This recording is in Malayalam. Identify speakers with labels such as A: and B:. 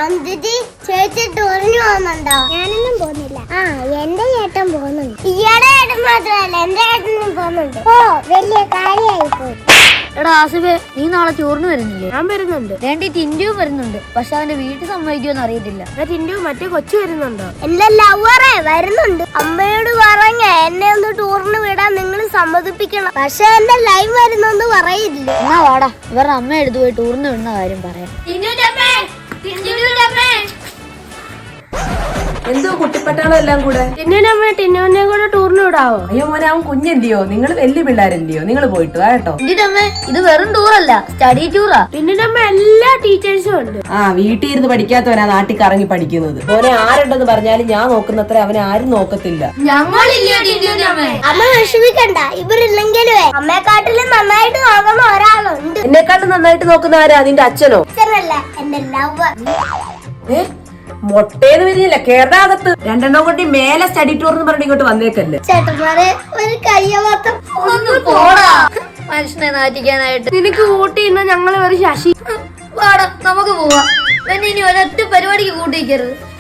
A: അഞ്ജലി ചേച്ചി ടൂറിന് പോകുന്നുണ്ടോ? ഞാനൊന്നും പോകുന്നില്ല. എന്റെ ചേട്ടൻ പോകുന്നുണ്ട്. ഇയാടെ ചേട്ടൻ മാത്രമല്ല എന്റെ ചേട്ടനും പോകുന്നുണ്ട്. ഓ വലിയ കാര്യമായി പോയി.
B: എടാ ആസിഫേ, നീ നാളെ ടൂറിന് വരുന്നില്ലേ?
C: ഞാൻ വരുന്നുണ്ട്.
B: വേണ്ടി ടിൻഡുവും വരുന്നുണ്ട്. പക്ഷെ അവന്റെ വീട്ടിൽ സമ്മതിക്കുമെന്ന് അറിയത്തില്ല.
C: ടിൻഡു മറ്റേ കൊച്ചു വരുന്നുണ്ടോ?
A: എന്റെ ലവറെ വരുന്നുണ്ട്. അമ്മയോട് പറഞ്ഞ എന്നെ ഒന്ന് ടൂറിന് വിടാൻ നിങ്ങൾ സമ്മതിപ്പിക്കണം. പക്ഷെ എന്റെ ലൈവ് വരുന്നെന്ന് പറയില്ല.
B: എന്നാ വാടാ, ഇവരുടെ അമ്മ എടുത്തു പോയി ടൂറിന് വിടുന്ന കാര്യം പറയാം.
D: എന്തോ കുട്ടിപ്പട്ടാളം എല്ലാം കൂടെ.
C: ടിന്നുവിനെ കൂടെ ടൂറിന് വിടാവോ?
D: അയ്യോ മോനെ, അവൻ കുഞ്ഞല്ലയോ, നിങ്ങൾ വലിയ പിള്ളേരല്ലയോ, നിങ്ങൾ പോയിട്ട് വാ കേട്ടോ.
B: അമ്മേ, ഇത് വെറും ടൂറല്ല, സ്റ്റഡി ടൂറാ.
C: ടിന്നുവിന്റെ അമ്മ എല്ലാ ടീച്ചേഴ്സും ഉണ്ട്.
D: വീട്ടിൽ ഇരുന്ന് പഠിക്കാത്തവനാ നാട്ടിൽ കറങ്ങി പഠിക്കുന്നത്. മോനെ ആരുണ്ടെന്ന് പറഞ്ഞാലും ഞാൻ നോക്കുന്നത്ര അവനെ ആരും നോക്കത്തില്ല.
A: അമ്മ വിഷമിക്കണ്ട, ഇവരില്ലെങ്കിലേ അമ്മയെക്കാട്ടിലും നന്നായിട്ട് നോക്കുന്ന ഒരാളുണ്ട്.
D: എന്നെക്കാട്ടും നന്നായിട്ട് നോക്കുന്ന ആരാ? നിന്റെ അച്ഛനോ?
A: അച്ഛനല്ല, എന്റെ ലവർ.
D: മൊട്ടേന്ന് വരുന്നില്ല, കേരളാകത്ത് രണ്ടെണ്ണം കൊണ്ട് മേലെ സ്റ്റഡി ടൂർ എന്ന് പറഞ്ഞിട്ട് ഇങ്ങോട്ട് വന്നേക്കല്ലേ.
A: ചേട്ടന്മാരെ ഒരു കയ്യവാത്തം.
B: മനുഷ്യനെ നാറ്റിക്കാനായിട്ട്.
C: നിനക്ക് കൂട്ടിയിരുന്ന ഞങ്ങൾ ഒരു ശശി.
B: വാടാ, നമുക്ക് പോവാം. ഇനി ഒരൊറ്റ പരിപാടിക്ക് കൂട്ടിക്കരുത്.